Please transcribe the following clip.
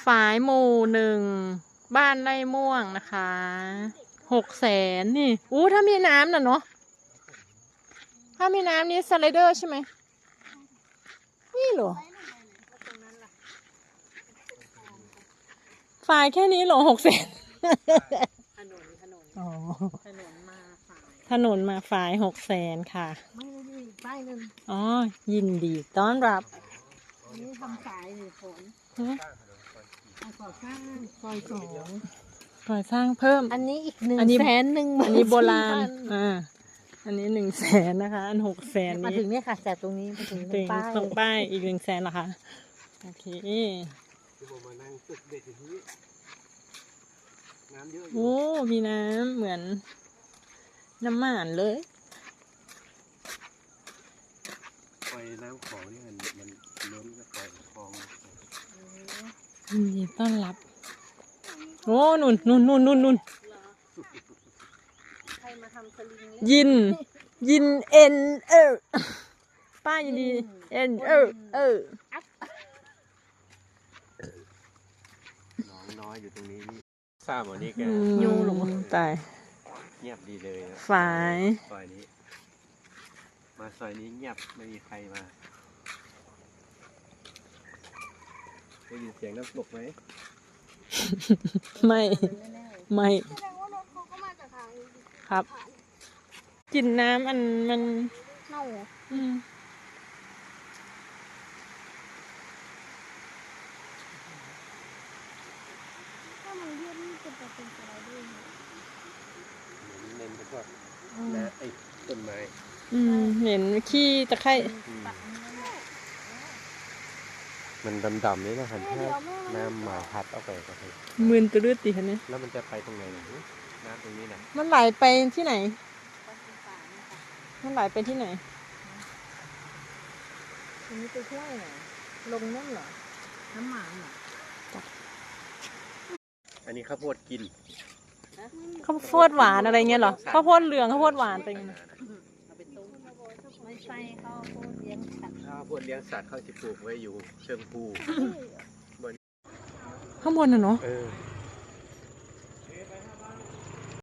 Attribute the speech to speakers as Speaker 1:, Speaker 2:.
Speaker 1: ฝายหมู่หนึ่งบ้านไร่ม่วงนะคะ600,000นี่ถ้ามีน้ำน่ะเนาะถ้ามีน้ำนี้สไลเดอร์ใช่ไหมนี่เหรอฝายแค่นี้เหรอ600,000
Speaker 2: ถนน
Speaker 1: อ๋อ
Speaker 2: ถนนมาฝ่าย
Speaker 1: ถนนมาฝาย600,000ค่ะ
Speaker 2: ไม่ได้มีป้ายหนึ่ง
Speaker 1: อ๋อยินดีต้อนรับ
Speaker 2: อันนี้ทำสายหรือฝนก่อสร้างซอย2
Speaker 1: ก่อสร้างเพิ่ม
Speaker 2: อันนี้อีก
Speaker 1: อันนี้
Speaker 2: 100,000
Speaker 1: อันนี้โบราณอันนี้100,000นะคะอัน600,000
Speaker 2: มา
Speaker 1: นี้
Speaker 2: ถึงเนี่ยค่ะจากตรงนี้มาถึงตรงป้าย
Speaker 1: ตรงป้ายอีก100,000เหรอคะโอเคโอ้มีน้ำเหมือนน้ำหม่านเลย
Speaker 3: ปล่อยน้ำของนี่มันล้นก็ปล่อยคลอง
Speaker 1: ยินดีต้อนรับโอ้นุ่น
Speaker 2: ใครมาทำสลิง
Speaker 1: ยินเอ็นป้ายินดีเอ็น
Speaker 3: น้องน้อยอยู่ตรงนี้นี่ทราบวันนี้แก
Speaker 1: ยูหลงตาย
Speaker 3: เงียบดีเลยนะ
Speaker 1: ฝาย
Speaker 3: ซอยนี้มาซอยนี้เงียบไม่มีใครมาได้ยินเสียงน้ำตกไหม
Speaker 1: ไม่
Speaker 4: แสดงว่ารถเขาก็มาจากทางนี้
Speaker 1: ครับกลินน้ำมัน
Speaker 4: เน่า ถ้ามันเรียบนี่จะเป็นอะไรด้วย
Speaker 3: เน้นพวกนะไอ้ต้นไม้
Speaker 1: เห็นขี้ตะไคร่
Speaker 3: มันดำๆนี่นะครับถ้าน้ำมาพัดเอาไปก็คือ
Speaker 1: มืนตะลืดตีคะเนี่ย
Speaker 3: แล้วมันจะไปตรงไหนนะน้ำตรงนี้นะ
Speaker 1: มันไหลไปที่ไหนมันไหลไปที่ไหน
Speaker 2: อันนี้ไปช่วยเหรอลงนั่นเหรอน้ำหมันเหรอ
Speaker 3: อันนี้ข้าวโพดกิน
Speaker 1: ข้าวโพดหวานอะไรเงี้ยเหรอข้าวโพดเหลืองข้าวโพดหวานเป็นไง
Speaker 2: เอาไปต้มไม่ใช่ข้าวโพดเลี้ยงสัตว์
Speaker 3: ข้าวโพดเลี้ยงสัตว์เขาจะปลูกไว้อยู่เชิงภู
Speaker 1: ข้างบนน่ะเนาะ
Speaker 3: เออ